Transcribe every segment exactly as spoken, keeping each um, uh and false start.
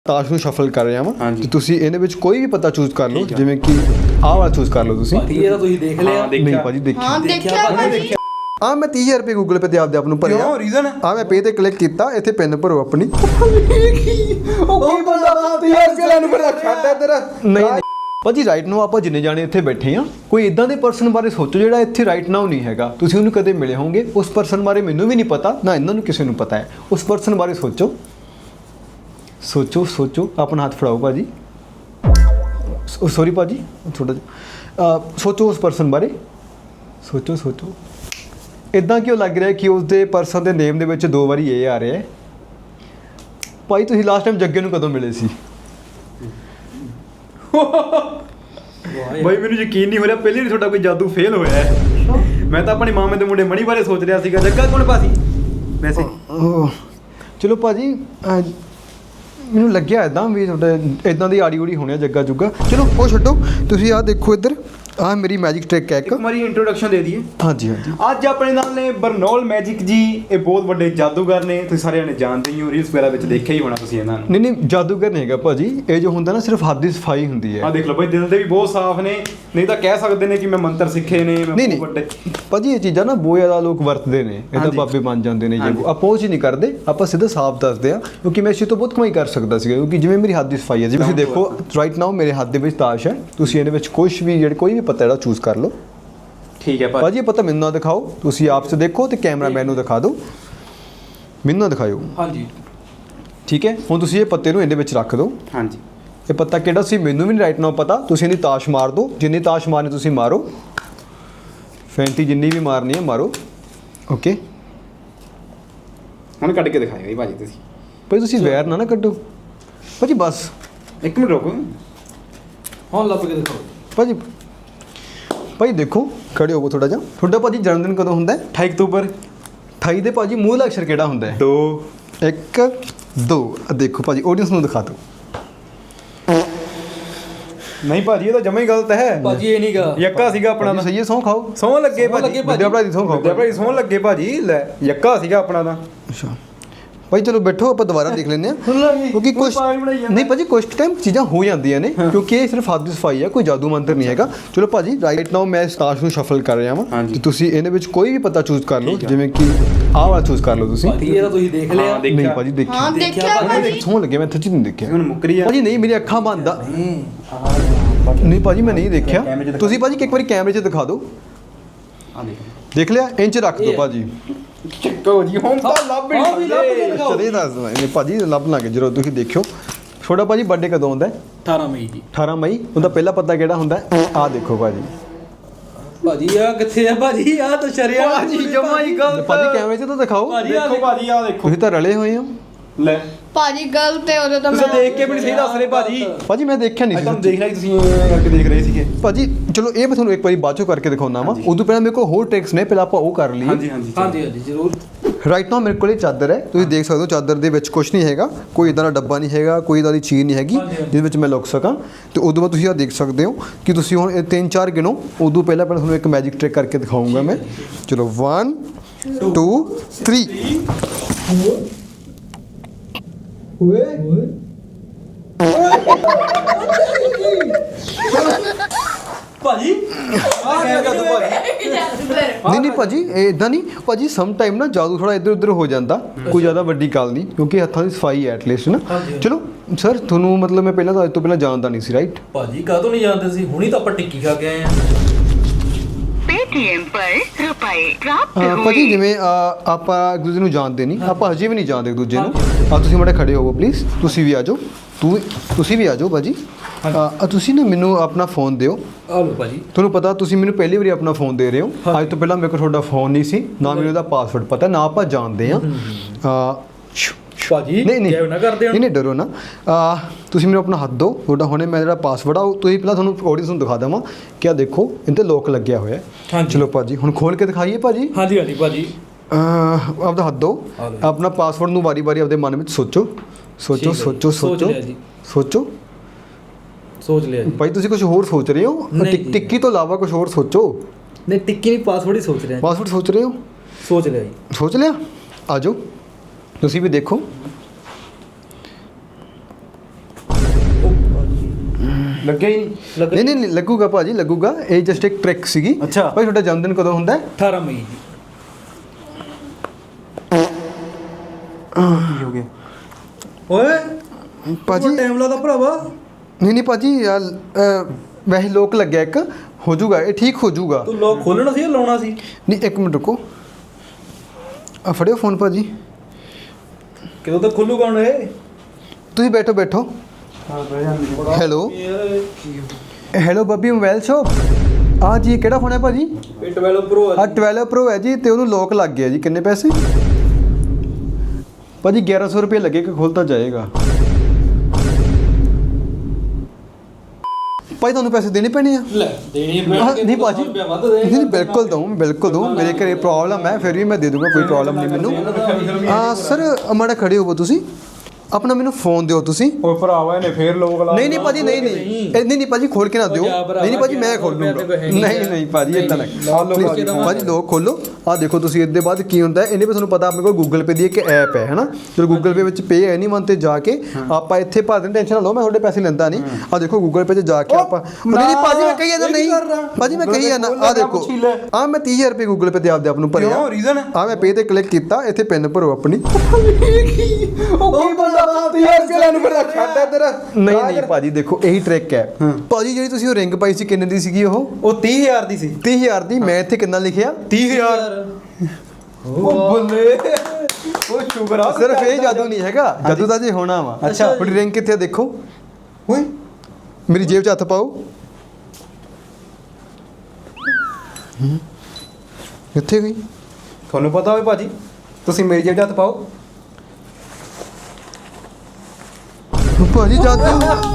ਤਾਸ਼ ਨੂੰ ਸ਼ਫਲ ਕਰ ਰਿਹਾ ਵਾਂ ਹਾਂਜੀ। ਤੇ ਤੁਸੀਂ ਇਹਦੇ ਵਿੱਚ ਕੋਈ ਵੀ ਪਤਾ ਚੂਜ਼ ਕਰ ਲਓ, ਜਿਵੇਂ ਕਿ ਆਹ ਵਾਲਾ ਚੂਜ਼ ਕਰ ਲਓ ਤੁਸੀਂ। ਭਾਜੀ ਇਹ ਤਾਂ ਤੁਸੀਂ ਦੇਖ ਲਿਆ। ਨਹੀਂ ਭਾਜੀ ਦੇਖੀ ਹਾਂ ਦੇਖਿਆ ਭਾਜੀ। ਆ ਮੈਂ ਤੀਹ ਹਜ਼ਾਰ ਰੁਪਏ ਗੂਗਲ ਪੇ ਤੇ ਆਪਦੇ ਆਪ ਨੂੰ ਭਰਿਆ। ਕਿਉਂ ਰੀਜ਼ਨ? ਆ ਮੈਂ ਪੇ ਤੇ ਕਲਿੱਕ ਕੀਤਾ, ਇੱਥੇ ਪਿੰਨ ਭਰੋ ਆਪਣੀ। ਉਹ ਕੀ ਬੰਦਾ ਤੀਹ ਹਜ਼ਾਰ ਰੁਪਏ ਲੈਣ ਪਰ ਛੱਡ ਇੱਧਰ। ਨਹੀਂ ਨਹੀਂ ਭਾਜੀ, ਰਾਈਟ ਨਾਓ ਆਪਾਂ ਜਿੰਨੇ ਜਾਣੇ ਇੱਥੇ ਬੈਠੇ ਆ, ਕੋਈ ਇਦਾਂ ਦੇ ਪਰਸਨ ਬਾਰੇ ਸੋਚੋ ਜਿਹੜਾ ਇੱਥੇ ਰਾਈਟ ਨਾਓ ਨਹੀਂ ਹੈਗਾ। ਤੁਸੀਂ ਉਹਨੂੰ ਕਦੇ ਮਿਲੇ ਹੋਵੋਗੇ, ਉਸ ਪਰਸਨ ਬਾਰੇ ਮੈਨੂੰ ਵੀ ਨਹੀਂ ਪਤਾ, ਨਾ ਇਹਨਾਂ ਨੂੰ ਕਿਸੇ ਨੂੰ ਪਤਾ ਹੈ। ਉਸ ਪਰਸਨ ਬਾਰੇ ਸੋਚੋ ਸੋਚੋ ਸੋਚੋ ਆਪਣਾ ਹੱਥ ਫੜਾਓ ਭਾਜੀ। ਸੌਰੀ ਭਾਜੀ, ਥੋੜਾ ਜਿਹਾ ਸੋਚੋ ਉਸ ਪਰਸਨ ਬਾਰੇ। ਸੋਚੋ ਸੋਚੋ ਇਦਾਂ ਕਿਉਂ ਲੱਗ ਰਿਹਾ ਕਿ ਉਸ ਦੇ ਪਰਸਨ ਦੇ ਨੇਮ ਦੇ ਵਿੱਚ ਦੋ ਵਾਰੀ ਇਹ ਆ ਰਿਹਾ ਹੈ? ਭਾਈ ਤੁਸੀਂ ਲਾਸਟ ਟਾਈਮ ਜੱਗੇ ਨੂੰ ਕਦੋਂ ਮਿਲੇ ਸੀ? ਬਾਈ ਮੈਨੂੰ ਯਕੀਨ ਨਹੀਂ ਹੋ ਰਿਹਾ, ਪਹਿਲੀ ਵਾਰ ਤੁਹਾਡਾ ਕੋਈ ਜਾਦੂ ਫੇਲ ਹੋਇਆ ਹੈ। ਮੈਂ ਤਾਂ ਆਪਣੇ ਮਾਮੇ ਦੇ ਮੁੰਡੇ ਮਣੀ ਬਾਰੇ ਸੋਚ ਰਿਹਾ ਸੀਗਾ। ਜੱਗਾ ਕੌਣ ਪਾਸੀ ਵੈਸੇ? ਚਲੋ ਭਾਜੀ, ਅਹ, ਮੈਨੂੰ ਲੱਗਿਆ ਇਦਾਂ ਵੀ ਤੁਹਾਡੇ ਇਦਾਂ ਦੀ ਆੜੀ ਉੜੀ ਹੋਣੀ ਆ ਜੱਗਾ ਜੁੱਗਾ। ਚਲੋ ਉਹ ਛੱਡੋ, ਤੁਸੀਂ ਆਹ ਦੇਖੋ ਇੱਧਰ, ਆਹ ਮੇਰੀ ਮੈਜਿਕ ਟ੍ਰਿਕ ਹੈ ਇੱਕ। ਇੱਕ ਵਾਰੀ ਇੰਟਰੋਡਕਸ਼ਨ ਦੇ ਦਈਏ। ਹਾਂਜੀ ਹਾਂਜੀ। ਅੱਜ ਆਪਣੇ ਨਾਲ ਨੇ ਬਰਨੌਲ ਮੈਜਿਕ ਜੀ। ਇਹ ਬਹੁਤ ਵੱਡੇ ਜਾਦੂਗਰ ਨੇ, ਤੁਸੀਂ ਸਾਰਿਆਂ ਨੇ ਜਾਣਦੇ ਹੀ ਹੋ, ਰੀਲਸ ਵਗੈਰਾ ਵਿੱਚ ਦੇਖਿਆ ਹੀ ਹੋਣਾ ਤੁਸੀਂ ਇਹਨਾਂ ਨੂੰ। ਨਹੀਂ ਨਹੀਂ, ਜਾਦੂਗਰ ਨਹੀਂ ਹੈਗਾ ਭਾਜੀ। ਇਹ ਜੋ ਹੁੰਦਾ ਨਾ ਸਿਰਫ ਹੱਥ ਦੀ ਸਫਾਈ ਹੁੰਦੀ ਹੈ। ਆਹ ਦੇਖ ਲਓ ਬਾਈ, ਦਿਲ ਦੇ ਵੀ ਬਹੁਤ ਸਾਫ਼ ਨੇ। ਨਹੀਂ ਤਾਂ ਕਹਿ ਸਕਦੇ ਨੇ ਕਿ ਮੈਂ ਮੰਤਰ ਸਿੱਖੇ ਨੇ, ਮੈਂ ਨਹੀਂ ਬਹੁਤ ਨਹੀਂ ਵੱਡੇ। ਭਾਜੀ ਇਹ ਚੀਜ਼ਾਂ ਨਾ ਬਹੁਤ ਜ਼ਿਆਦਾ ਲੋਕ ਵਰਤਦੇ ਨੇ, ਇਹ ਤਾਂ ਹਾਂਜੀ। ਬਾਬੇ ਬਣ ਜਾਂਦੇ ਨੇ। ਹਾਂਜੀ। ਜੇ ਆਪਾਂ ਉਹ ਚੀਜ਼ ਨਹੀਂ ਕਰਦੇ, ਆਪਾਂ ਸਿੱਧਾ ਸਾਫ਼ ਦੱਸਦੇ ਆ, ਕਿਉਂਕਿ ਮੈਂ ਇਸ ਚੀਜ਼ ਤੋਂ ਬਹੁਤ ਕਮਾਈ ਕਰ ਸਕਦਾ ਸੀਗਾ। ਕਿਉਂਕਿ ਜਿਵੇਂ ਮੇਰੀ ਹੱਥ ਦੀ ਸਫਾਈ ਹੈ, ਜਿਵੇਂ ਤੁਸੀਂ ਦੇਖੋ ਰਾਈਟ ਨਾਓ ਮੇਰੇ ਹੱਥ ਦੇ ਵਿੱਚ ਤਾਸ਼ ਹੈ। ਤੁਸੀਂ ਇਹਦੇ ਵਿੱਚ ਕੁਛ ਵੀ ਜਿਹੜੇ ਕੋਈ ਵੀ ਪਤਾ ਜਿਹੜਾ ਚੂਜ਼ ਕਰ ਲਓ। ਠੀਕ ਹੈ ਭਾਜੀ। ਭਾਜੀ ਇਹ ਪਤਾ ਮੈਨੂੰ ਨਾ ਦਿਖਾਓ, ਤੁਸੀਂ ਆਪ ਸੇ ਦੇਖੋ ਤੇ ਕੈਮਰਾਮੈਨ ਨੂੰ ਦਿਖਾ ਦਿਓ, ਮੈਨੂੰ ਨਾ ਦਿਖਾਇਓ। ਹਾਂਜੀ ਠੀਕ ਹੈ, ਹੁਣ ਤੁਸੀਂ ਇਹ ਪੱਤੇ ਨੂੰ ਇਹਦੇ ਵਿੱਚ ਰੱਖ ਦਿਓ। ਹਾਂਜੀ ਇਹ ਪੱਤਾ ਕਿਹੜਾ ਸੀ ਮੈਨੂੰ ਵੀ ਨਹੀਂ ਰਾਈਟ ਨਾਓ ਪਤਾ। ਤੁਸੀਂ ਇਹਦੀ ਤਾਸ਼ ਮਾਰ ਦਿਓ, ਜਿੰਨੀ ਤਾਸ਼ ਮਾਰਨੀ ਤੁਸੀਂ ਮਾਰੋ, ਫੈਂਟੀ ਜਿੰਨੀ ਵੀ ਮਾਰਨੀ ਹੈ ਮਾਰੋ। ਓਕੇ, ਹੁਣ ਕੱਢ ਕੇ ਦਿਖਾਇਓ ਜੀ ਭਾਜੀ ਤੁਸੀਂ। ਭਾਈ ਤੁਸੀਂ ਵੈਰ ਨਾ ਨਾ ਕੱਢੋ ਭਾਜੀ, ਬਸ ਇੱਕ ਮਿੰਟ ਰੁਕੋ। ਹੁਣ ਲੱਭ ਕੇ ਦਿਖਾਓ ਭਾਜੀ। ਭਾਜੀ ਦੇਖੋ, ਖੜੇ ਹੋਵੋ ਥੋੜਾ ਜਿਹਾ। ਤੁਹਾਡਾ ਭਾਜੀ ਜਨਮ ਦਿਨ ਕਦੋਂ ਹੁੰਦਾ ਹੈ? ਅਠਾਈ ਅਕਤੂਬਰ। ਅਠਾਈ ਦੇ ਭਾਜੀ ਮੂਲ ਦਾ ਅਕਸ਼ਰ ਕਿਹੜਾ ਹੁੰਦਾ ਹੈ? ਦੋ। ਇੱਕ ਦੋ। ਆਹ ਦੇਖੋ ਭਾਜੀ, ਆਡੀਅנס ਨੂੰ ਦਿਖਾ ਦਿਓ। ਨਹੀਂ ਭਾਜੀ, ਇਹ ਤਾਂ ਜਮਾ ਹੀ ਗਲਤ ਹੈ। ਭਾਜੀ ਇਹ ਨਹੀਂਗਾ। ਯੱਕਾ ਸੀਗਾ ਆਪਣਾ ਭਾਜੀ ਤਾਂ। ਸਹੀ ਹੈ, ਸਹੁੰ ਖਾਓ। ਸੌਂ ਲੱਗੇ ਸਹੁੰ ਲੱਗੇ ਭਾਜੀ। ਭਾਜੀ। ਵਿਦਿਆ ਭਰਾ ਦੀ ਸਹੁੰ ਖਾਓ। ਵਿਦਿਆ ਭਾਜੀ ਸੌਂ ਲੱਗੇ ਭਾਜੀ। ਲੈ ਯੱਕਾ ਸੀਗਾ ਆਪਣਾ ਤਾਂ। ਅੱਛਾ ਭਾਈ, ਚਲੋ ਬੈਠੋ, ਆਪਾਂ ਦੁਬਾਰਾ ਦੇਖ ਲੈਂਦੇ ਹਾਂ। ਕਿਉਂਕਿ ਕੁਝ ਨਹੀਂ ਭਾਜੀ, ਕੁਝ ਟਾਈਮ ਚੀਜ਼ਾਂ ਹੋ ਜਾਂਦੀਆਂ ਨੇ, ਕਿਉਂਕਿ ਇਹ ਸਿਰਫ ਹੱਥ ਦੀ ਸਫਾਈ ਹੈ, ਕੋਈ ਜਾਦੂ ਮੰਤਰ ਨਹੀਂ ਹੈਗਾ। ਚਲੋ ਭਾਜੀ, ਰਾਈਟ ਨਾਓ ਮੈਂ ਤਾਸ਼ ਨੂੰ ਸ਼ਫਲ ਕਰ ਰਿਹਾ ਵਾਂ ਹਾਂਜੀ। ਤੇ ਤੁਸੀਂ ਇਹਦੇ ਵਿੱਚ ਕੋਈ ਵੀ ਪਤਾ ਚੂਜ਼ ਕਰ ਲਓ, ਠੀਕ ਆ। ਜਿਵੇਂ ਕਿ ਆਹ ਵਾਲਾ ਚੂਜ਼ ਕਰ ਲਓ ਤੁਸੀਂ। ਭਾਜੀ ਇਹ ਤਾਂ ਤੁਸੀਂ ਦੇਖ ਲਿਆ। ਹਾਂ, ਦੇਖ- ਨਹੀਂ ਦੇਖਿਆ। ਭਾਜੀ ਦੇਖੀ ਹਾਂ ਦੇਖਿਆ ਭਾਜੀ। ਸੌਂ ਲੱਗੇ, ਮੈਂ ਸੱਚੀ ਨਹੀਂ ਦੇਖਿਆ ਹੁਣ ਮੁੱਕਰੀ ਆ। ਭਾਜੀ। ਨਹੀਂ, ਮੇਰੀ ਅੱਖਾਂ ਬੰਦ ਆ। ਨਹੀਂ ਭਾਜੀ, ਮੈਂ ਨਹੀਂ ਦੇਖਿਆ। ਕੈਮਰੇ 'ਚ ਦਿਖਾ। ਤੁਸੀਂ ਭਾਜੀ ਇੱਕ ਵਾਰੀ ਕੈਮਰੇ 'ਚ ਦਿਖਾ ਦਿਓ। ਆ ਦੇਖੋ। ਦੇਖ ਲਿਆ? ਇੰਚ ਰੱਖ ਦਿਓ ਭਾਜੀ। ਚੱਕੋ ਜੀ, ਹੁਣ ਤਾਂ ਲੱਭ ਹੀ ਹਾਂ ਵੀ ਲੱਭ ਕੇ ਦਿਖਾਓ। ਚਲੇ ਦੱਸ ਦਵਾਂ ਨਹੀਂ ਭਾਜੀ, ਲੱਭ ਲਾਂਗੇ ਜਦੋਂ ਤੁਸੀਂ ਦੇਖਿਓ। ਛੋਟਾ ਭਾਜੀ ਬਰਥਡੇ ਕਦੋਂ ਹੁੰਦਾ ਹੈ? ਅਠਾਰਾਂ ਮਈ ਜੀ। ਅਠਾਰਾਂ ਮਈ। ਉਹਦਾ ਪਹਿਲਾ ਪਤਾ ਕਿਹੜਾ ਹੁੰਦਾ ਹੈ? ਆਹ ਦੇਖੋ ਭਾਜੀ। ਭਾਜੀ ਆ ਕਿੱਥੇ ਆ ਭਾਜੀ? ਆ ਤਾਂ ਸ਼ਰਿਆ ਭਾਜੀ ਜਮਾ ਹੀ ਗਲਤ। ਭਾਜੀ ਕੈਮਰੇ 'ਚ ਤਾਂ ਦਿਖਾਓ। ਭਾਜੀ ਆਹ ਦੇਖੋ ਭਾਜੀ, ਆ ਦੇਖੋ। ਤੁਸੀਂ ਤਾਂ ਰਲੇ ਹੋਏ ਹੋ ਲੈ ਭਾਜੀ ਗਲਤ ਹੈ ਉਹਦੇ ਤਾਂ ਤੁਸੀਂ ਮੈਂ ਦੇਖ ਕੇ ਵੀ ਨਹੀਂ ਸਹੀ ਦੱਸ ਰਹੇ ਭਾਜੀ। ਭਾਜੀ। ਮੈਂ ਦੇਖਿਆ ਨਹੀਂ ਅੱਜ ਸੀ ਤੁਹਾਨੂੰ ਦੇਖ ਰਿਹਾ ਸੀ, ਤੁਸੀਂ ਐਂ ਕਰਕੇ ਦੇਖ ਰਹੇ ਸੀਗੇ। ਭਾਜੀ। ਚਲੋ ਇਹ ਮੈਂ ਤੁਹਾਨੂੰ ਇੱਕ ਵਾਰੀ ਬਾਅਦ ਚੋਂ ਕਰਕੇ ਦਿਖਾਉਣਾ ਵਾ। ਉਦੋਂ ਪਹਿਲਾਂ ਮੇਰੇ ਕੋਲ ਹੋਰ ਟ੍ਰਿਕਸ ਨੇ, ਪਹਿਲਾਂ ਆਪਾਂ ਉਹ ਕਰ ਲਈਏ। ਹਾਂਜੀ ਹਾਂਜੀ ਹਾਂਜੀ ਹਾਂਜੀ ਜ਼ਰੂਰ। ਰਾਈਟ ਨਾਓ ਮੇਰੇ ਕੋਲ ਇਹ ਚਾਦਰ ਹੈ, ਤੁਸੀਂ ਦੇਖ ਸਕਦੇ ਹੋ। ਚਾਦਰ ਦੇ ਵਿੱਚ ਕੁਝ ਨਹੀਂ ਹੈਗਾ, ਕੋਈ ਇਦਾਂ ਦਾ ਡੱਬਾ ਨਹੀਂ ਹੈਗਾ, ਕੋਈ ਇਦਾਂ ਦੀ ਚੀਜ਼ ਨਹੀਂ ਹੈਗੀ ਹਾਂਜੀ, ਹਾਂਜੀ। ਜਿਹਦੇ ਵਿੱਚ ਮੈਂ ਲੁਕ ਸਕਾਂ। ਤੇ ਉਦੋਂ ਬਾਅਦ ਤੁਸੀਂ ਆਹ ਦੇਖ ਸਕਦੇ ਹੋ ਕਿ ਤੁਸੀਂ ਹੁਣ ਇਹ ਤਿੰਨ ਚਾਰ ਗਿਣੋ। ਉਦੋਂ ਪਹਿਲਾਂ ਪਹਿਲਾਂ ਤੁਹਾਨੂੰ ਇੱਕ ਮੈਜਿਕ ਟ੍ਰਿਕ ਕਰਕੇ ਦਿਖਾਊਂਗਾ ਮੈਂ। ਚਲੋ ਵਨ ਟੂ ਥ੍ਰੀ। ਭਾਜੀ ਆ ਗਿਆ ਜਾਦੂ ਭਾਜੀ। ਨਹੀਂ ਨਹੀਂ ਭਾਜੀ, ਇਹ ਇਦਾਂ ਨਹੀਂ ਭਾਜੀ। ਸਮ ਟਾਈਮ ਨਾ ਜਾਦੂ ਥੋੜਾ ਇੱਧਰ ਉੱਧਰ ਹੋ ਜਾਂਦਾ, ਕੋਈ ਜ਼ਿਆਦਾ ਵੱਡੀ ਗੱਲ ਨਹੀਂ, ਕਿਉਂਕਿ ਹੱਥਾਂ ਦੀ ਸਫਾਈ ਹੈ ਐਟਲੀਸਟ ਨਾ। ਹਾਂਜੀ। ਚਲੋ ਸਰ, ਤੁਹਾਨੂੰ ਮਤਲਬ ਮੈਂ ਪਹਿਲਾਂ ਤਾਂ ਅੱਜ ਤੋਂ ਪਹਿਲਾਂ ਜਾਣਦਾ ਨਹੀਂ ਸੀ, ਰਾਈਟ? ਭਾਜੀ ਕਾਹਤੋਂ ਨਹੀਂ ਜਾਣਦੇ ਸੀ? ਹੁਣੀ ਤਾਂ ਆਪਾਂ ਟਿੱਕੀ ਖਾ ਕੇ ਆਏ ਆ। पेटीएम पर रुपए प्राप्त ਭਾਜੀ हुए। ਜਿਵੇਂ ਅਹ, ਆਪਾਂ ਇੱਕ ਦੂਜੇ ਨੂੰ ਜਾਣਦੇ ਨਹੀਂ, ਆਪਾਂ ਹਜੇ ਵੀ ਨਹੀਂ ਜਾਣਦੇ ਇੱਕ ਦੂਜੇ ਨੂੰ। ਆ ਤੁਸੀਂ ਮਾੜੇ ਖੜੇ ਹੋਵੋ ਪਲੀਜ਼। ਤੁਸੀਂ ਵੀ ਆ ਜਾਓ। ਤੂੰ ਤੁਸੀਂ ਵੀ ਆ ਜਾਓ ਭਾਜੀ। ਅਹ, ਤੁਸੀਂ ਨਾ ਮੈਨੂੰ ਆਪਣਾ ਫੋਨ ਦਿਓ। ਆ ਲਓ ਭਾਜੀ। ਤੁਹਾਨੂੰ ਪਤਾ ਤੁਸੀਂ ਮੈਨੂੰ ਪਹਿਲੀ ਵਾਰੀ ਆਪਣਾ ਫੋਨ ਦੇ ਰਹੇ ਹੋ। ਅੱਜ ਤੋਂ ਪਹਿਲਾਂ ਮੇਰੇ ਕੋਲ ਤੁਹਾਡਾ ਫੋਨ ਨਹੀਂ ਸੀ, ਨਾ ਮੈਨੂੰ ਉਹਦਾ ਪਾਸਵਰਡ ਪਤਾ, ਨਾ ਆਪਾਂ ਜਾਣਦੇ ਆ। ਭਾਜੀ ਨਹੀਂ ਨਹੀਂ ਕਿਉਂ ਨਾ ਕਰਦੇ ਨਹੀਂ ਨਹੀਂ, ਡਰੋ ਨਾ। ਅਹ, ਤੁਸੀਂ ਮੈਨੂੰ ਆਪਣਾ ਹੱਥ ਦਿਓ। ਤੁਹਾਡਾ ਹੁਣੇ ਮੈਂ ਜਿਹੜਾ ਪਾਸਵਰਡ ਆ ਉਹ ਤੁਸੀਂ ਪਹਿਲਾਂ ਤੁਹਾਨੂੰ ਆਡੀਅנס ਨੂੰ ਦਿਖਾ ਦੇਵਾਂ ਕਿ ਆ ਦੇਖੋ ਇਹਦੇ ਤੇ ਲੋਕ ਲੱਗਿਆ ਹੋਇਆ ਹੈ। ਹਾਂਜੀ। ਚਲੋ ਭਾਜੀ, ਹੁਣ ਖੋਲ ਕੇ ਦਿਖਾਈਏ ਭਾਜੀ। ਹਾਂਜੀ ਹਾਂਜੀ ਭਾਜੀ। ਅਹ, ਆਪਦਾ ਹੱਥ ਦਿਓ। ਆ ਲਓ। ਆਪਣਾ ਪਾਸਵਰਡ ਨੂੰ ਵਾਰੀ ਵਾਰੀ ਆਪਦੇ ਮਨ ਵਿੱਚ ਸੋਚੋ ਸੋਚੋ ਠੀਕ ਹੈ ਜੀ। ਸੋਚੋ ਸੋਚ ਸੋਚੋ ਲਿਆ ਜੀ। ਸੋਚੋ। ਸੋਚ ਲਿਆ ਜੀ। ਭਾਈ ਤੁਸੀਂ ਕੁਝ ਹੋਰ ਸੋਚ ਰਹੇ ਹੋ? ਨਹੀਂ ਟਿਕ- ਜੀ। ਟਿੱਕੀ ਤੋਂ ਇਲਾਵਾ ਕੁਝ ਹੋਰ ਸੋਚੋ। ਨਹੀਂ ਟਿੱਕੀ ਨਹੀਂ, ਪਾਸਵਰਡ ਹੀ ਸੋਚ ਰਿਹਾ ਜੀ। ਪਾਸਵਰਡ ਸੋਚ ਰਹੇ ਹੋ? ਸੋਚ ਲਿਆ ਜੀ। ਸੋਚ ਲਿਆ? ਆ ਜਾਓ ਤੁਸੀਂ ਵੀ ਦੇਖੋ। ਲੱਗਿਆ ਹੀ ਨਹੀਂ। ਨਹੀਂ ਨਹੀਂ ਨਹੀਂ, ਲੱਗੂਗਾ ਭਾਜੀ ਲੱਗੂਗਾ। ਇਹ ਜਸਟ ਇੱਕ ਟ੍ਰਿਕ ਸੀਗੀ। ਅੱਛਾ। ਭਾਈ ਤੁਹਾਡਾ ਜਨਮ ਦਿਨ ਕਦੋਂ ਹੁੰਦਾ ਹੈ? ਅਠਾਰਾਂ ਮਈ ਜੀ। ਕੀ ਹੋ ਗਿਆ ਓਏ ਭਾਜੀ ਟਾਈਮ ਲਾਦਾ ਭਰਾਵਾ। ਨਹੀਂ ਨਹੀਂ ਭਾਜੀ ਯਾਰ ਅਹ, ਵੈਸੇ ਲੋਕ ਲੱਗਿਆ ਇੱਕ ਹੋ ਜਾਊਗਾ, ਇਹ ਠੀਕ ਹੋ ਜਾਊਗਾ। ਤੂੰ ਲੋਕ ਖੋਲਣਾ ਸੀ ਜਾਂ ਲਾਉਣਾ ਸੀ? ਨਹੀਂ ਇੱਕ ਮਿੰਟ ਰੁਕੋ, ਆ ਫੜਿਓ ਫੋਨ ਭਾਜੀ। ਕਿਦੋਂ ਤੱਕ ਖੁੱਲੂ ਕੌਣ ਇਹ? ਤੁਸੀਂ ਬੈਠੋ ਬੈਠੋ। ਹਾਂ ਬਹਿ ਜਾਂਦੀ। ਹੈਲੋ ਯਾਰ ਹੈਲੋ ਬੱਬੀ ਮੋਬਾਈਲ ਸ਼ੋਪ। ਆ ਜੀ ਕਿਹੜਾ ਫੋਨ ਹੈ ਭਾਜੀ? ਇਹ ਡਿਵੈਲਪ ਪ੍ਰੋ ਆ ਟਵੈਲਵ ਪ੍ਰੋ ਹੈ ਜੀ, ਤੇ ਉਹਨੂੰ ਲੋਕ ਲੱਗ ਗਿਆ ਜੀ। ਕਿੰਨੇ ਪੈਸੇ ਭਾਜੀ? ਗਿਆਰਾਂ ਸੌ ਰੁਪਏ ਲੱਗੇਗਾ, ਖੁੱਲ੍ਹਤਾ ਜਾਏਗਾ। ਭਾਈ ਤੁਹਾਨੂੰ ਪੈਸੇ ਦੇਣੇ ਪੈਣੇ ਆ? ਲੈ ਦੇਣੀ ਹਾਂ, ਨਹੀਂ ਭਾਜੀ ਵੱਧ ਨਹੀਂ ਦੇ ਨਹੀਂ, ਬਿਲਕੁਲ ਦਊਂ ਬਿਲਕੁਲ ਦਊਂ। ਮੇਰੇ ਘਰੇ ਪ੍ਰੋਬਲਮ ਹੈ, ਫਿਰ ਵੀ ਮੈਂ ਦੇ ਦੂੰਗਾ, ਕੋਈ ਪ੍ਰੋਬਲਮ ਨਹੀਂ ਮੈਨੂੰ। ਹਾਂ ਸਰ ਮਾੜਾ ਖੜੇ ਹੋਵੋ ਤੁਸੀਂ, ਆਪਣਾ ਮੈਨੂੰ ਫੋਨ ਦਿਓ ਤੁਸੀਂ। ਓਏ ਭਰਾਵਾ ਇਹਨੇ ਫੇਰ ਲੋਕ ਲਾ ਨਹੀਂ ਨਹੀਂ ਭਾਜੀ ਨਹੀਂ ਨਹੀਂ ਇਹ ਨਹੀਂ ਨਹੀਂ ਭਾਜੀ ਖੋਲ ਕੇ ਨਾ ਦਿਓ। ਨਹੀਂ ਨਹੀਂ ਭਾਜੀ ਮੈਂ ਖੋਲ ਲੂੰਗਾ। ਨਹੀਂ ਨਹੀਂ ਭਾਜੀ ਇਦਾਂ ਨਾ ਭਾਜੀ ਭਾਜੀ ਲੋਕ ਖੋਲੋ। ਆ ਦੇਖੋ ਤੁਸੀਂ ਇਹਦੇ ਬਾਅਦ ਕੀ ਹੁੰਦਾ ਹੈ। ਇਹਨੇ ਵੀ ਤੁਹਾਨੂੰ ਪਤਾ ਆਪਣੇ ਕੋਲ ਗੂਗਲ ਪੇ ਦੀ ਇੱਕ ਐਪ ਹੈ ਹਨਾ। ਜਦੋਂ ਗੂਗਲ ਪੇ ਵਿੱਚ ਪੇ ਐਨੀਵਨ ਤੇ ਜਾ ਕੇ ਆਪਾਂ ਇੱਥੇ ਭਰ ਦੇਣ, ਟੈਨਸ਼ਨ ਨਾ ਲਓ, ਮੈਂ ਤੁਹਾਡੇ ਪੈਸੇ ਲੈਂਦਾ ਨਹੀਂ। ਆ ਦੇਖੋ ਗੂਗਲ ਪੇ 'ਚ ਜਾ ਕੇ ਆਪਾਂ ਨਹੀਂ ਨਹੀਂ ਭਾਜੀ ਮੈਂ ਕਹੀ ਜਾਂਦਾ ਨਹੀਂ ਭਾਜੀ ਮੈਂ ਕਹੀ ਜਾਂਦਾ। ਆ ਦੇਖੋ ਆ ਮੈਂ ਤੀਹ ਹਜ਼ਾਰ ਰੁਪਏ ਗੂਗਲ ਪੇ ਤੇ ਆਪਦੇ ਆਪ ਨੂੰ ਭਰਿਆ। ਰੀਜ਼ਨ ਆ ਮੈਂ ਪੇ ਤੇ ਕਲਿੱਕ ਕੀਤਾ, ਇੱਥੇ ਪਿੰਨ ਭਰੋ ਆਪਣੀ। ਉਹ ਕੀ ਬੰਦਾ ਯਾਰ ਕਿਹੜਾ ਨੂੰ ਫਿਰ ਛੱਡ ਇੱਧਰ। ਨਹੀਂ ਨਹੀਂ ਭਾਜੀ ਦੇਖੋ ਇਹੀ ਟ੍ਰਿਕ ਹੈ ਭਾਜੀ। ਜਿਹੜੀ ਤੁਸੀਂ ਉਹ ਰਿੰਗ ਪਾਈ ਸੀ ਕਿੰਨੇ ਦੀ ਸੀਗੀ? ਉਹ ਉਹ ਤੀਹ ਹਜ਼ਾਰ ਦੀ ਸੀ। ਤੀਹ ਹਜ਼ਾਰ ਦੀ। ਮੈਂ ਇੱਥੇ ਕਿੰਨਾ ਲਿਖਿਆ? ਤੀਹ ਹਜ਼ਾਰ। ਉਹ ਬੱਲੇ ਉਹ ਸ਼ੁਕਰ ਆ। ਸਿਰਫ ਇਹ ਜਾਦੂ ਨਹੀਂ ਹੈਗਾ, ਜਾਦੂ ਤਾਂ ਜੇ ਹੋਣਾ ਵਾ। ਅੱਛਾ। ਤੁਹਾਡੀ ਰਿੰਗ ਕਿੱਥੇ ਆ ਦੇਖੋ। ਓਏ ਮੇਰੀ ਜੇਬ 'ਚ ਹੱਥ ਪਾਓ। ਕਿੱਥੇ ਗਈ? ਤੁਹਾਨੂੰ ਪਤਾ ਹੋਵੇ ਭਾਜੀ, ਤੁਸੀਂ ਮੇਰੀ ਜੇਬ 'ਚ ਹੱਥ ਪਾਓ। ਭਾਜੀ ਜਾਦੂ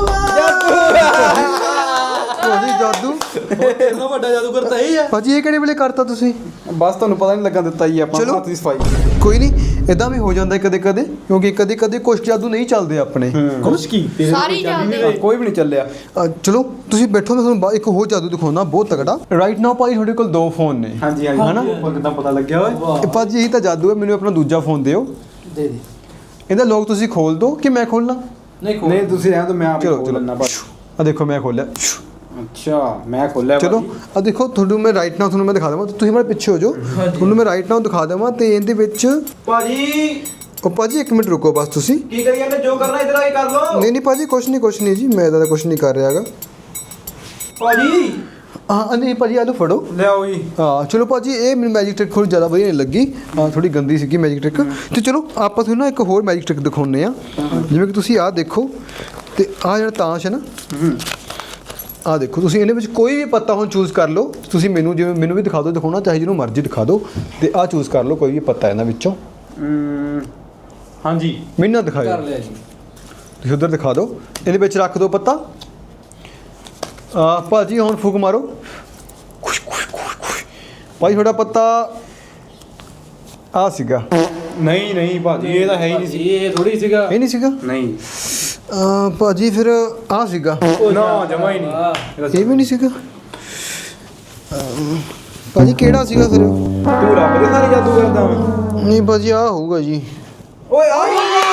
ਭਾਜੀ ਜਾਦੂ ਇੰਨਾ ਵੱਡਾ ਜਾਦੂ ਕਰਤਾ ਇਹ ਹੈ। ਭਾਜੀ ਇਹ ਕਿਹੜੇ ਵੇਲੇ ਕਰਤਾ ਤੁਸੀਂ? ਬਸ ਤੁਹਾਨੂੰ ਪਤਾ ਨਹੀਂ ਲੱਗਣ ਦਿੱਤਾ ਜੀ ਆਪਾਂ ਚਲੋ। ਹੱਥ ਦੀ ਸਫਾਈ। ਕੋਈ ਨਹੀਂ, ਇਦਾਂ ਵੀ ਹੋ ਜਾਂਦਾ ਕਦੇ ਕਦੇ, ਕਿਉਂਕਿ ਕਦੇ ਕਦੇ ਕੁਛ ਜਾਦੂ ਨਹੀਂ ਚੱਲਦੇ ਆਪਣੇ। ਕੁਛ ਕੀ ਸਾਰੀ ਚੱਲਦੇ। ਕੋਈ ਵੀ ਨਹੀਂ ਚੱਲਿਆ। ਅ, ਚਲੋ ਤੁਸੀਂ ਬੈਠੋ, ਮੈਂ ਤੁਹਾਨੂੰ ਬਾ- ਇੱਕ ਹੋਰ ਜਾਦੂ ਦਿਖਾਉਣਾ ਬਹੁਤ ਤਗੜਾ। ਰਾਈਟ ਨਾਓ ਭਾਈ ਤੁਹਾਡੇ ਕੋਲ ਦੋ ਫੋਨ ਨੇ। ਹਾਂਜੀ ਹਾਂਜੀ ਹਨਾ? ਉਹ ਕਿੱਦਾਂ ਪਤਾ ਲੱਗਿਆ ਓਏ? ਇਹ ਭਾਜੀ ਇਹੀ ਤਾਂ ਜਾਦੂ ਹੈ। ਮੈਨੂੰ ਆਪਣਾ ਦੂਜਾ ਫੋਨ ਦਿਓ। ਦੇ ਦੇ। ਇਹਦਾ ਲੋਕ ਤੁਸੀਂ ਖੋਲ ਦਿਓ ਕਿ ਮੈਂ ਖੋਲਣਾ? ਨਹੀਂ ਖੋਲ। ਨਹੀਂ ਤੁਸੀਂ ਰਹਿਣ ਤੋਂ ਮੈਂ ਆਪ ਚਲੋ ਖੋਲ ਚਲੋ ਲੈਣਾ ਬਸ। ਆ ਦੇਖੋ ਮੈਂ ਖੋਲਿਆ। ਅੱਛਾ ਮੈਂ ਖੋਲਿਆ ਚਲੋ ਆ ਦੇਖੋ ਤੁਹਾਨੂੰ ਮੈਂ ਰਾਈਟ ਨਾਓ ਤੁਹਾਨੂੰ ਮੈਂ ਦਿਖਾ ਦੇਵਾਂ। ਤੁਸੀਂ ਮੇਰੇ ਪਿੱਛੇ ਹੋ ਜਾਓ, ਤੁਹਾਨੂੰ ਮੈਂ ਰਾਈਟ ਨਾਓ ਦਿਖਾ ਦੇਵਾਂ। ਤੇ ਇਹਦੇ ਵਿੱਚ ਭਾਜੀ ਉਹ ਭਾਜੀ ਇੱਕ ਮਿੰਟ ਰੁਕੋ ਬਸ ਤੁਸੀਂ। ਕੀ ਕਰੀ ਜਾਂਦੇ? ਜੋ ਕਰਨਾ ਇਧਰ ਆ ਕੇ ਕਰ ਲਓ। ਨਹੀਂ ਨਹੀਂ ਭਾਜੀ ਕੁਛ ਨਹੀਂ ਕੁਛ ਨਹੀਂ ਜੀ, ਮੈਂ ਇਹਦਾ ਕੁਛ ਨਹੀਂ ਕਰ ਰਿਹਾ ਹੈਗਾ। ਭਾਜੀ ਹਾਂ ਨਹੀਂ ਭਾਜੀ ਆਲੂ ਫੜੋ। ਲਿਆਓ ਜੀ। ਹਾਂ ਚਲੋ ਭਾਜੀ ਇਹ ਮੈਨੂੰ ਮੈਜਿਕ ਟ੍ਰਿਕ ਥੋੜੀ ਜ਼ਿਆਦਾ ਵਧੀਆ ਨਹੀਂ ਲੱਗੀ। ਹਾਂ ਥੋੜੀ ਗੰਦੀ ਸੀਗੀ ਮੈਜਿਕ ਟ੍ਰਿਕ। ਤੇ ਚਲੋ ਆਪਾਂ ਤੁਹਾਨੂੰ ਨਾ ਇੱਕ ਹੋਰ ਮੈਜਿਕ ਟ੍ਰਿਕ ਦਿਖਾਉਂਦੇ ਆ। ਜਿਵੇਂ ਕਿ ਤੁਸੀਂ ਆਹ ਦੇਖੋ, ਤੇ ਆਹ ਜਿਹੜਾ ਤਾਸ਼ ਹੈ ਨਾ, ਆਹ ਦੇਖੋ ਤੁਸੀਂ ਇਹਦੇ ਵਿੱਚ ਕੋਈ ਵੀ ਪੱਤਾ ਹੁਣ ਚੂਜ਼ ਕਰ ਲਓ। ਤੁਸੀਂ ਮੈਨੂੰ ਜਿਵੇਂ ਮੈਨੂੰ ਵੀ ਦਿਖਾ ਦਿਓ, ਦਿਖਾਉਣਾ ਚਾਹੇ ਜਿਹਨੂੰ ਮਰਜ਼ੀ ਦਿਖਾ ਦਿਓ। ਤੇ ਆਹ ਚੂਜ਼ ਕਰ ਲਓ ਕੋਈ ਵੀ ਪੱਤਾ ਇਹਨਾਂ ਵਿੱਚੋਂ। ਹਾਂਜੀ ਮੈਨੂੰ ਨਾ ਕਰ ਦਿਖਾਓ, ਲਿਆ ਜੀ। ਤੁਸੀਂ ਉਧਰ ਦਿਖਾ ਦਿਓ। ਇਹਦੇ ਵਿੱਚ ਰੱਖ ਦਿਓ ਪੱਤਾ। ਆ ਭਾਜੀ ਹੁਣ ਫੂਕ ਮਾਰੋ। ਖੁਸ਼ ਖੁਸ਼ ਖੁਸ਼ ਖੁਸ਼। ਭਾਈ ਤੁਹਾਡਾ ਪੱਤਾ ਆ ਸੀਗਾ। ਨਹੀਂ ਨਹੀਂ ਭਾਜੀ ਇਹ ਤਾਂ ਹੈ ਹੀ ਨਹੀਂ ਸੀ। ਇਹ ਥੋੜੀ ਸੀਗਾ। ਇਹ ਨਹੀਂ ਸੀਗਾ? ਨਹੀਂ ਆ ਭਾਜੀ ਫਿਰ ਆ ਸੀਗਾ। ਨਾ ਜਮਾ ਹੀ ਨਹੀਂ। ਇਹ ਵੀ ਨਹੀਂ ਸੀਗਾ। ਅਮ, ਭਾਜੀ ਕਿਹੜਾ ਸੀਗਾ ਫਿਰ? ਤੂੰ ਰੱਬ ਦੇ ਸਾਰੇ ਜਾਦੂ ਕਰਦਾ ਵਾ। ਨਹੀਂ ਭਾਜੀ ਆ ਹੋਊਗਾ ਜੀ। ਓਏ ਆਈ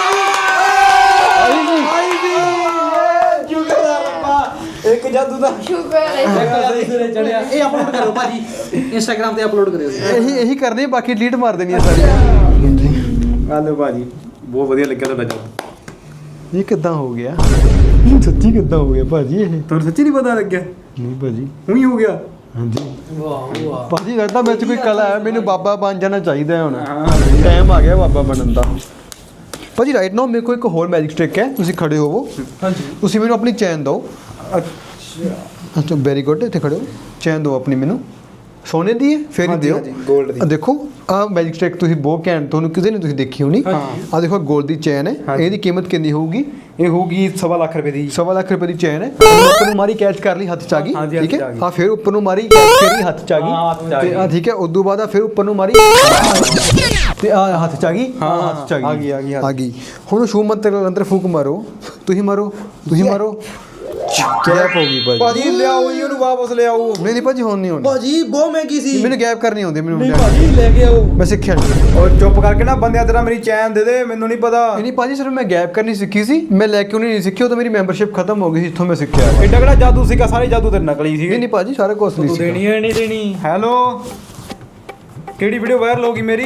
ਆਈ ਆਈ ਜੀ ਸ਼ੁਕਰ ਆ ਰੱਬਾ। ਇੱਕ ਜਾਦੂ ਦਾ ਸ਼ੁਕਰ ਹੈ। ਸਿਰੇ ਚੜਿਆ। ਇਹ ਅਪਲੋਡ ਕਰੋ ਭਾਜੀ, ਇੰਸਟਾਗ੍ਰam ਤੇ ਅਪਲੋਡ ਕਰਿਓ। ਇਹੀ ਇਹੀ ਕਰਨੇ, ਬਾਕੀ ਡਿਲੀਟ ਮਾਰ ਦੇਣੀ ਆ ਸਾਰੀਆਂ। ਆਲੋ ਭਾਜੀ ਬਹੁਤ ਵਧੀਆ ਲੱਗਿਆ ਤੁਹਾਡਾ ਜਾਦੂ। ਇਹ ਕਿੱਦਾਂ ਹੋ ਗਿਆ? ਸੱਚੀ ਕਿੱਦਾਂ ਹੋ ਗਿਆ ਭਾਜੀ ਇਹ? ਤੁਹਾਨੂੰ ਸੱਚੀ ਨਹੀਂ ਪਤਾ ਲੱਗਿਆ? ਨਹੀਂ ਭਾਜੀ। ਉਹੀ ਹੋ ਗਿਆ। ਹਾਂਜੀ ਵਾਹ ਵਾਹ। ਭਾਜੀ ਲੱਗਦਾ ਵਿੱਚ ਕੋਈ ਕਲਾ ਹੈ। ਮੈਨੂੰ ਬਾਬਾ ਬਣ ਜਾਣਾ ਚਾਹੀਦਾ ਹੈ ਹੁਣ। ਹਾਂ ਟਾਈਮ ਆ ਗਿਆ ਬਾਬਾ ਬਣਨ ਦਾ। ਭਾਜੀ ਰਾਈਟ ਨਾਓ ਮੇਰੇ ਕੋਲ ਇੱਕ ਹੋਰ ਮੈਜਿਕ ਟ੍ਰਿਕ ਹੈ। ਤੁਸੀਂ ਖੜੇ ਹੋਵੋ। ਹਾਂਜੀ। ਤੁਸੀਂ ਮੈਨੂੰ ਆਪਣੀ ਚੈਨ ਦਿਓ। ਅੱਛਾ ਅੱਛਾ ਵੈਰੀ ਗੁੱਡ। ਇੱਥੇ ਖੜੇ ਹੋ। ਚੈਨ ਦਿਓ ਆਪਣੀ ਮੈਨੂੰ। ਸੋਨੇ ਦੀ ਹੈ ਫਿਰ ਹੀ ਹਾਂਜੀ, ਦਿਓ। ਹਾਂਜੀ, gold ਦੀ। ਆਹ ਦੇਖੋ ਆਹ ਮੈਜਿਕ ਟ੍ਰਿਕ ਤੁਸੀਂ ਬਹੁਤ ਘੈਂਟ, ਤੁਹਾਨੂੰ ਕਿਸੇ ਨੇ ਤੁਸੀਂ ਦੇਖੀ ਹੋਣੀ। ਹਾਂ। ਆਹ ਦੇਖੋ ਗੋਲਡ ਦੀ ਚੈਨ ਹੈ। ਹਾਂਜੀ। ਇਹਦੀ ਕੀਮਤ ਕਿੰਨੀ ਹੋਊਗੀ? ਇਹ ਹੋਊਗੀ ਸਵਾ ਲੱਖ ਰੁਪਏ ਦੀ। ਸਵਾ ਲੱਖ ਰੁਪਏ ਦੀ ਚੈਨ ਹੈ। ਇਹਨੂੰ ਉੱਪਰ ਨੂੰ ਮਾਰੀ ਕੈਚ ਕਰ ਲਈ, ਹੱਥ ਚ ਆ ਗਈ। ਹਾਂਜੀ, ਠੀਕ ਹੱਥ ਚ ਹੈ। ਆ ਗਈ। ਆ ਫਿਰ ਉੱਪਰ ਨੂੰ ਮਾਰੀ ਫਿਰ ਹੀ ਹੱਥ ਚ ਆ ਹਾਂ, ਹੱਥ ਚ ਆ ਗਈ। ਤੇ ਆ ਗਈ। ਠੀਕ ਹੈ। ਉਦੋਂ ਬਾਅਦ ਆ ਫਿਰ ਉੱਪਰ ਨੂੰ ਮਾਰੀ ਤੇ ਆ ਹੱਥ ਚ ਆ ਗਈ। ਹਾਂ, ਆਹ ਹੱਥ ਚ ਆ ਗਈ ਆ ਗਈ, ਆ ਗਈ, ਆ ਗਈ। ਹੁਣ ਸ਼ੂ ਮੰਤਰ ਅੰਦਰ ਫੂਕ ਮਾਰੋ। ਤੁਸੀਂ ਮਾਰੋ ਤੁਸੀਂ ਮਾਰੋ। ਗੈਪ ਹੋ ਗਈ ਭਾਜੀ ਭਾਜੀ ਲਿਆਓ ਜੀ ਉਹਨੂੰ ਵਾਪਸ ਲਿਆਓ। ਨਹੀਂ ਨਹੀਂ ਭਾਜੀ ਹੁਣ ਨਹੀਂ ਹੋਣੀ ਭਾਜੀ ਬਹੁਤ ਮਹਿੰਗੀ ਸੀ। ਮੈਨੂੰ ਗੈਪ ਕਰਨੀ ਆਉਂਦੀ ਮੈਨੂੰ ਨਹੀਂ ਭਾਜੀ ਲੈ ਕੇ ਆਓ। ਮੈਂ ਸਿੱਖਿਆ ਨਹੀਂ ਉਹ ਚੁੱਪ ਕਰਕੇ ਨਾ ਬੰਦਿਆਂ ਤੇਰਾ ਮੇਰੀ ਚੈਨ ਦੇ ਦੇ, ਮੈਨੂੰ ਨਹੀਂ ਪਤਾ। ਨਹੀਂ ਨਹੀਂ ਭਾਜੀ ਸਿਰਫ ਮੈਂ ਗੈਪ ਕਰਨੀ ਸਿੱਖੀ ਸੀ, ਮੈਂ ਲੈ ਕੇ ਉਹਨੇ ਨਹੀਂ ਸਿੱਖੀ, ਉਹ ਤਾਂ ਮੇਰੀ ਮੈਂਬਰਸ਼ਿਪ ਖਤਮ ਹੋ ਗਈ ਸੀ ਜਿੱਥੋਂ ਮੈਂ ਸਿੱਖਿਆ। ਐਡਾ ਕਿਹੜਾ ਜਾਦੂ ਸੀਗਾ, ਸਾਰੇ ਜਾਦੂ ਤੇ ਨਕਲੀ ਨਹੀਂ ਸੀਗੇ। ਨਹੀਂ ਭਾਜੀ ਸਾਰਾ ਕੁਝ ਨਹੀਂ ਤੂੰ ਸੀ ਦੇਣੀ ਹੈ ਨਹੀਂ ਦੇਣੀ? ਹੈਲੋ, ਕਿਹੜੀ ਵੀਡੀਓ ਵਾਇਰਲ ਹੋ ਗਈ ਮੇਰੀ?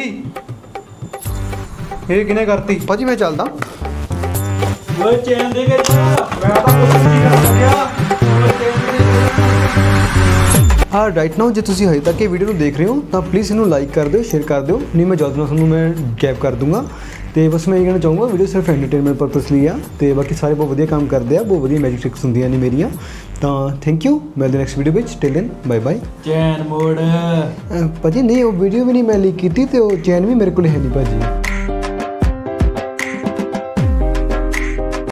ਇਹ ਕਿਹਨੇ ਕਰਤੀ? ਭਾਜੀ ਮੈਂ ਚੱਲਦਾ। ਓਏ ਚੈਨ ਦੇ ਕੇ ਜਾ। ਮੈਂ ਤਾਂ ਕੁਝ ਨਹੀਂ ਕਰ ਸਕਿਆ। ਹਾਂ ਰਾਈਟ ਨਾਓ ਜੇ ਤੁਸੀਂ ਹਜੇ ਤੱਕ ਇਹ ਵੀਡੀਓ ਨੂੰ ਦੇਖ ਰਹੇ ਹੋ ਤਾਂ ਪਲੀਜ਼ ਇਹਨੂੰ ਲਾਈਕ ਕਰ ਦਿਓ, ਸ਼ੇਅਰ ਕਰ ਦਿਓ, ਨਹੀਂ ਮੈਂ ਜਲਦ ਨਾਲ ਤੁਹਾਨੂੰ ਮੈਂ ਗੈਪ ਕਰ ਦੂੰਗਾ। ਤੇ ਬਸ ਮੈਂ ਇਹ ਕਹਿਣਾ ਚਾਹੂੰਗਾ ਵੀਡੀਓ ਸਿਰਫ ਐਂਟਰਟੇਨਮੈਂਟ ਪਰਪਸ ਲਈ ਆ, ਤੇ ਬਾਕੀ ਸਾਰੇ ਬਹੁਤ ਵਧੀਆ ਕੰਮ ਕਰਦੇ ਆ, ਬਹੁਤ ਵਧੀਆ ਮੈਜਿਕ ਟ੍ਰਿਕਸ ਹੁੰਦੀਆਂ ਨੇ ਮੇਰੀਆਂ। ਤਾਂ ਥੈਂਕ ਯੂ, ਮਿਲਦੇ ਨੈਕਸਟ ਵੀਡੀਓ ਵਿੱਚ, ਟਿਲ ਦੈਨ ਬਾਏ ਬਾਏ। ਚੈਨ ਮੋੜ। ਭਾਜੀ ਨਹੀਂ ਉਹ ਵੀਡੀਓ ਵੀ ਨਹੀਂ ਮੈਂ ਲੀਕ ਕੀਤੀ ਤੇ ਉਹ ਚੈਨ ਵੀ ਮੇਰੇ ਕੋਲ ਹੈ ਨਹੀਂ ਭਾਜੀ।